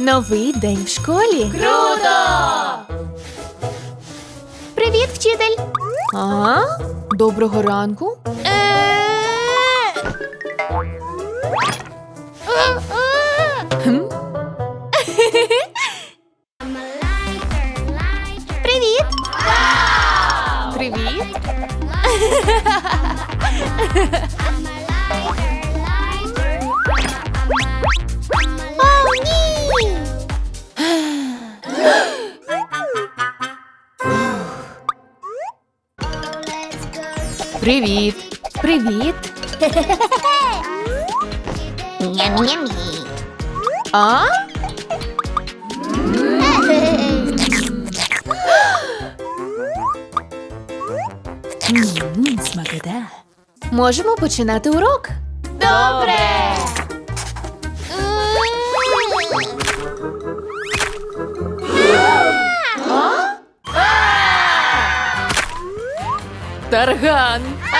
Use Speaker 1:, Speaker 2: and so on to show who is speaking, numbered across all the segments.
Speaker 1: Новий день в школі.
Speaker 2: Круто!
Speaker 3: Привіт, вчитель!
Speaker 1: Доброго ранку.
Speaker 3: Привіт!
Speaker 1: Привіт.
Speaker 3: О, ні!
Speaker 1: Привіт. Привіт.
Speaker 3: Ням-ням-ням.
Speaker 1: А? Смакота. Можемо починати урок.
Speaker 2: Добре!
Speaker 1: Тарган.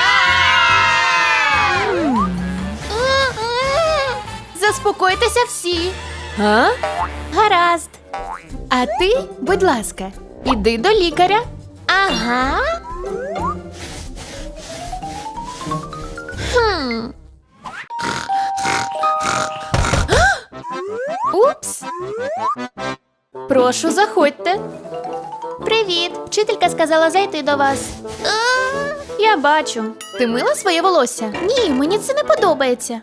Speaker 3: Заспокойтеся всі.
Speaker 1: А?
Speaker 3: Гаразд.
Speaker 1: А ти, будь ласка, іди до лікаря.
Speaker 3: Ага.
Speaker 1: Упс. Прошу, заходьте.
Speaker 3: Привіт. Вчителька сказала зайти до вас.
Speaker 1: Я бачу. Ти мила своє волосся?
Speaker 3: Ні, мені це не подобається.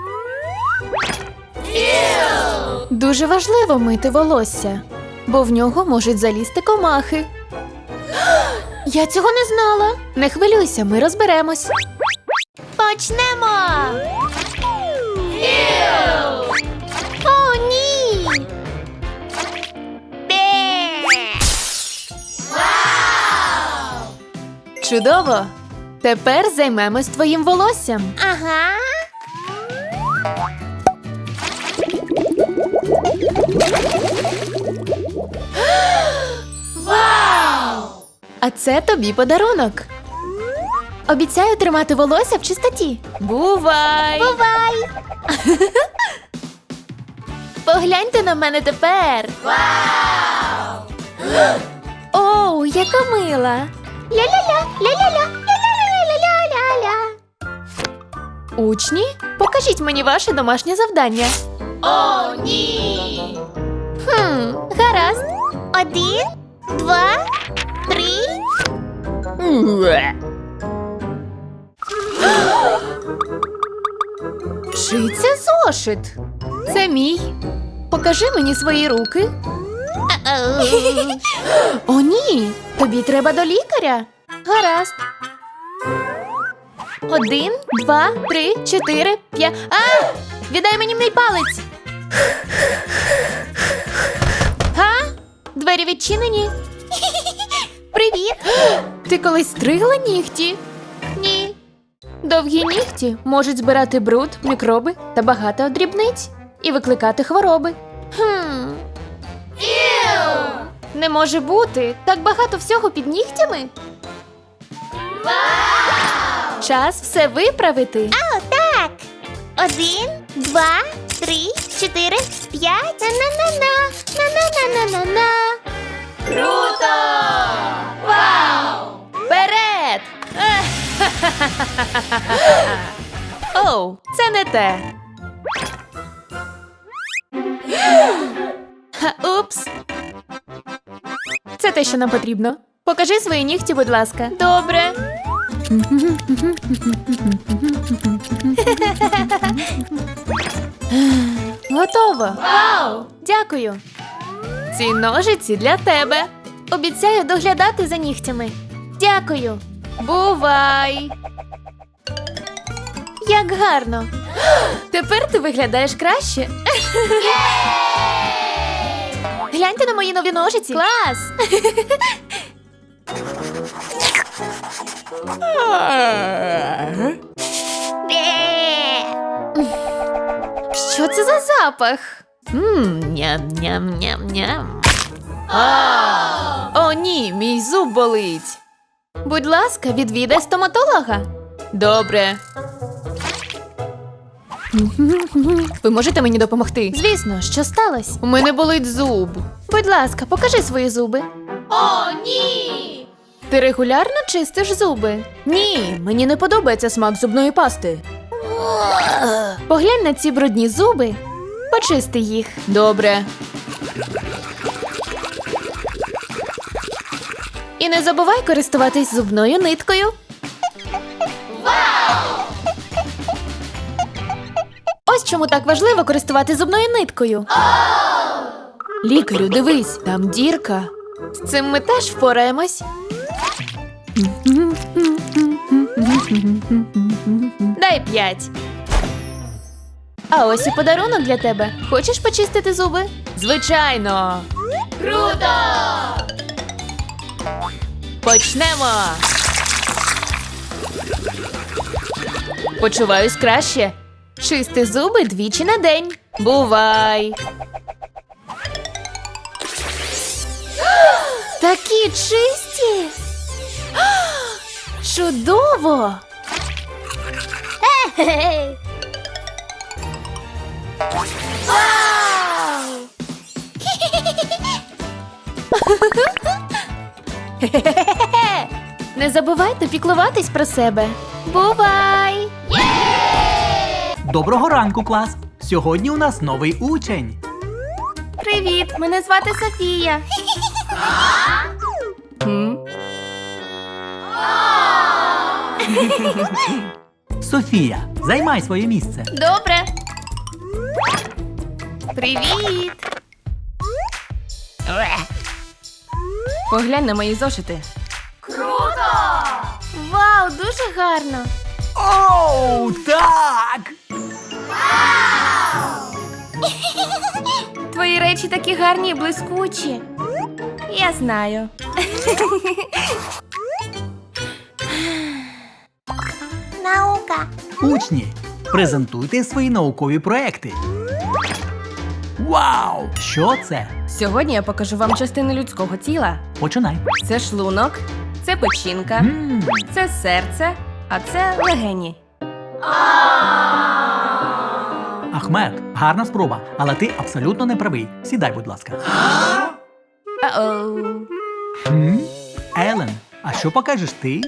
Speaker 1: Дуже важливо мити волосся, бо в нього можуть залізти комахи.
Speaker 3: Я цього не знала.
Speaker 1: Не хвилюйся, ми розберемось.
Speaker 3: Почнемо! О, ні!
Speaker 1: Чудово! Тепер займемось твоїм волоссям.
Speaker 3: Ага.
Speaker 1: А це тобі подарунок.
Speaker 3: Обіцяю тримати волосся в чистоті.
Speaker 1: Бувай!
Speaker 3: Бувай! Погляньте на мене тепер. Оу, яка мила. Ля-ля-ля, ля-ля-ля, ля-ля-ля-ля-ля-ля-ля.
Speaker 1: Учні, покажіть мені ваше домашнє завдання.
Speaker 2: О, ні!
Speaker 3: Гаразд. 1, 2, 3.
Speaker 1: Чий це зошит? Це мій. Покажи мені свої руки. О, ні! Тобі треба до лікаря.
Speaker 3: Гаразд.
Speaker 1: 1, 2, 3, 4, 5. А! Віддай мені мій палець. Га? Двері відчинені.
Speaker 3: Привіт.
Speaker 1: Ти колись стригла нігті?
Speaker 3: Ні.
Speaker 1: Довгі нігті можуть збирати бруд, мікроби та багато дрібниць і викликати хвороби. Не може бути так багато всього під нігтями. Час все виправити.
Speaker 3: О, так. 1, 2, 3, 4, 5. На-на-на-на. На-на-на-на-на-на.
Speaker 2: Круто! Вау!
Speaker 1: Вперед! Оу, це не те. Упс. Це те, що нам потрібно. Покажи свої нігті, будь ласка.
Speaker 3: Добре.
Speaker 1: Готово.
Speaker 2: Вау!
Speaker 1: Дякую. Ці ножиці для тебе.
Speaker 3: Обіцяю доглядати за нігтями. Дякую.
Speaker 1: Бувай!
Speaker 3: Як гарно.
Speaker 1: Тепер ти виглядаєш краще.
Speaker 3: Гляньте на мої нові ножиці.
Speaker 1: Клас! Що це за запах? Ням-ням-ням-ням. О, ні, мій зуб болить. Будь ласка, відвідай стоматолога. Добре. Ви можете мені допомогти?
Speaker 3: Звісно, що сталося?
Speaker 1: У мене болить зуб.
Speaker 3: Будь ласка, покажи свої зуби.
Speaker 2: О, ні!
Speaker 1: Ти регулярно чистиш зуби? Ні, мені не подобається смак зубної пасти.
Speaker 3: Поглянь на ці брудні зуби. Почисти їх.
Speaker 1: Добре.
Speaker 3: І не забувай користуватись зубною ниткою. Ось чому так важливо користуватись зубною ниткою.
Speaker 1: Лікарю, дивись, там дірка.
Speaker 3: З цим ми теж впораємось. Дай 5. А ось і подарунок для тебе. Хочеш почистити зуби?
Speaker 1: Звичайно.
Speaker 2: Круто!
Speaker 1: Почнемо. Почуваюсь краще.
Speaker 3: Чисти зуби двічі на день.
Speaker 1: Бувай.
Speaker 3: Такі чисті. Чудово! Вау! Не забувайте піклуватись про себе. Бувай!
Speaker 4: Доброго ранку, клас! Сьогодні у нас новий учень.
Speaker 3: Привіт! Мене звати Софія.
Speaker 4: Софія, займай своє місце.
Speaker 3: Добре. Привіт!
Speaker 1: Поглянь на мої зошити.
Speaker 3: Вау, дуже гарно!
Speaker 4: Оу, так!
Speaker 3: Твої речі такі гарні і блискучі. Я знаю. Наука.
Speaker 4: Учні, презентуйте свої наукові проекти. Вау! Що це?
Speaker 5: Сьогодні я покажу вам частини людського тіла.
Speaker 4: Починай.
Speaker 5: Це шлунок, це печінка,
Speaker 4: М,
Speaker 5: це серце, а це легені.
Speaker 4: Ахмед, гарна спроба, але ти абсолютно не правий. Сідай, будь ласка. М? Елен, а що покажеш ти?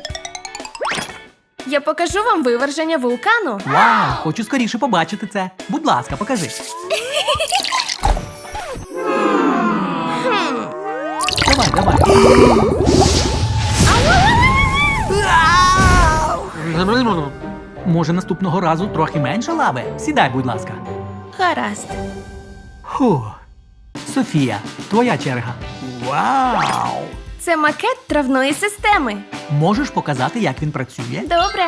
Speaker 5: Я покажу вам виверження вулкану.
Speaker 4: Вау, хочу скоріше побачити це. Будь ласка, покажи. Давай, давай. Може, наступного разу трохи менше лави? Сідай, будь ласка.
Speaker 3: Гаразд.
Speaker 4: Фу. Софія, твоя черга. Вау!
Speaker 3: Це макет травної системи.
Speaker 4: Можеш показати, як він працює?
Speaker 3: Добре.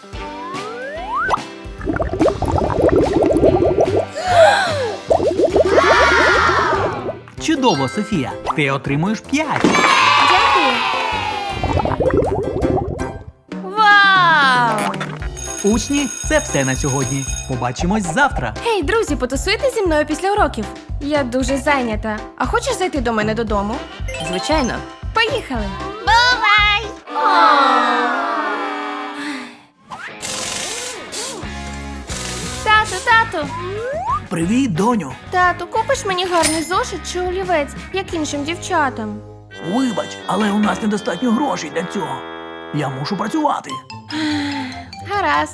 Speaker 4: Чудово, Софія. Ти отримуєш 5.
Speaker 3: Дякую. Вау!
Speaker 4: Учні, це все на сьогодні. Побачимось завтра.
Speaker 5: Гей, друзі, потусуйте зі мною після уроків. Я дуже зайнята. А хочеш зайти до мене додому? Звичайно. Поїхали.
Speaker 3: Бувай! Тату!
Speaker 4: Привіт, доню.
Speaker 3: Тату, купиш мені гарний зошит чи олівець, як іншим дівчатам?
Speaker 4: Вибач, але у нас недостатньо грошей для цього. Я мушу працювати.
Speaker 3: Гаразд.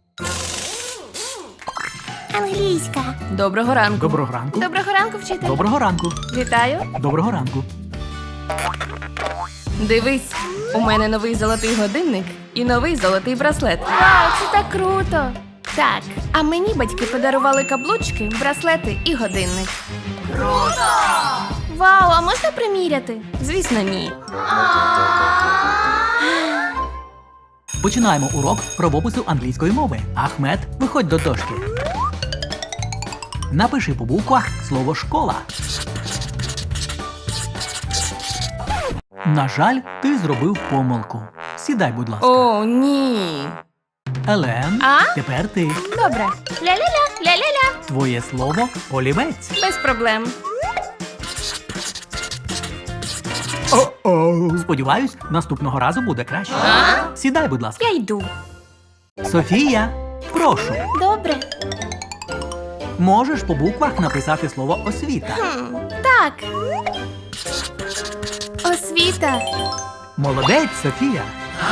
Speaker 5: Доброго ранку.
Speaker 4: Доброго ранку.
Speaker 3: Доброго ранку, вчитель.
Speaker 4: Доброго ранку.
Speaker 5: Вітаю.
Speaker 4: Доброго ранку.
Speaker 5: Дивись, у мене новий золотий годинник і новий золотий браслет.
Speaker 3: Вау, це так круто! Так, а мені батьки подарували каблучки, браслети і годинник. Круто! Вау, а можна приміряти?
Speaker 5: Звісно, ні.
Speaker 4: Починаємо урок правопису англійської мови. Ахмед, виходь до дошки. Напиши по буквах слово школа. На жаль, ти зробив помилку. Сідай, будь ласка.
Speaker 5: О, ні.
Speaker 4: Елен,
Speaker 3: А?
Speaker 4: тепер ти.
Speaker 3: Добре. Ля-ля-ля, ля-ля-ля.
Speaker 4: Твоє слово олівець.
Speaker 5: Без проблем.
Speaker 4: Сподіваюсь, наступного разу буде краще. Сідай, будь ласка.
Speaker 3: Я йду.
Speaker 4: Софія, прошу.
Speaker 3: Добре.
Speaker 4: Можеш по буквах написати слово освіта.
Speaker 3: Так. Освіта.
Speaker 4: Молодець, Софія.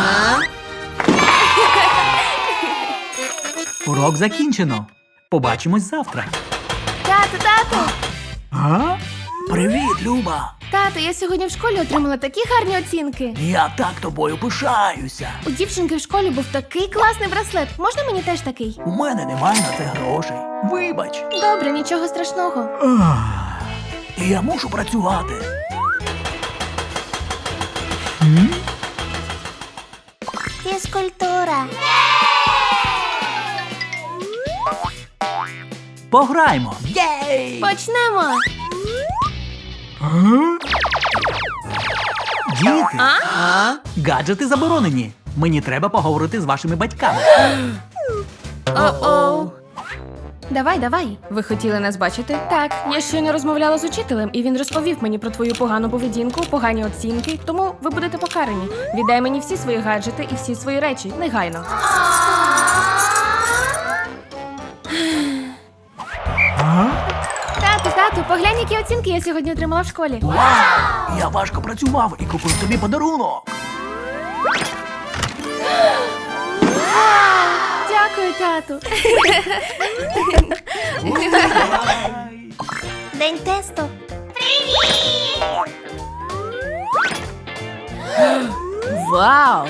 Speaker 4: Урок закінчено. Побачимось завтра.
Speaker 3: Тату.
Speaker 4: А? Привіт, Люба.
Speaker 3: Тату, я сьогодні в школі отримала такі гарні оцінки.
Speaker 4: Я так тобою пишаюся.
Speaker 3: У дівчинки в школі був такий класний браслет. Можна мені теж такий?
Speaker 4: У мене немає на це грошей. Вибач.
Speaker 3: Добре, нічого страшного.
Speaker 4: І я мушу працювати.
Speaker 3: Фізкультура.
Speaker 4: Пограймо. Єй!
Speaker 3: Почнемо.
Speaker 4: Діти, гаджети заборонені. Мені треба поговорити з вашими батьками.
Speaker 3: О-оу.
Speaker 5: Давай. Ви хотіли нас бачити? Так, я щойно розмовляла з учителем, і він розповів мені про твою погану поведінку, погані оцінки, тому ви будете покарані. Віддай мені всі свої гаджети і всі свої речі, негайно.
Speaker 3: Тату, поглянь, які оцінки я сьогодні отримала в школі.
Speaker 4: Вау! Я важко працював і купив тобі подарунок.
Speaker 3: Дякую, тату. День тесту.
Speaker 5: Вау!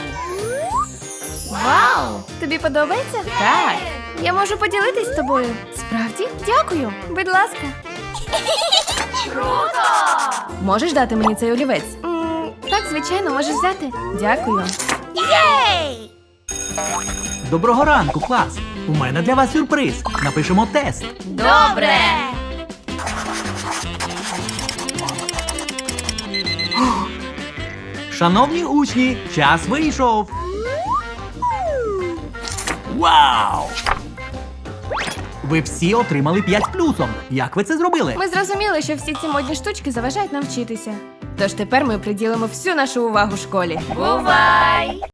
Speaker 3: Вау! Тобі подобається?
Speaker 5: Так!
Speaker 3: Я можу поділитись з тобою.
Speaker 5: Справді?
Speaker 3: Дякую. Будь ласка.
Speaker 5: Можеш дати мені цей олівець?
Speaker 3: Так, звичайно, можеш взяти.
Speaker 5: Дякую.
Speaker 4: Доброго ранку, клас. У мене для вас сюрприз. Напишемо тест.
Speaker 3: Добре.
Speaker 4: Шановні учні, час вийшов. Вау! Ви всі отримали 5 плюсом. Як ви це зробили?
Speaker 5: Ми зрозуміли, що всі ці модні штучки заважають нам вчитися. Тож тепер ми приділимо всю нашу увагу школі.
Speaker 3: Бувай!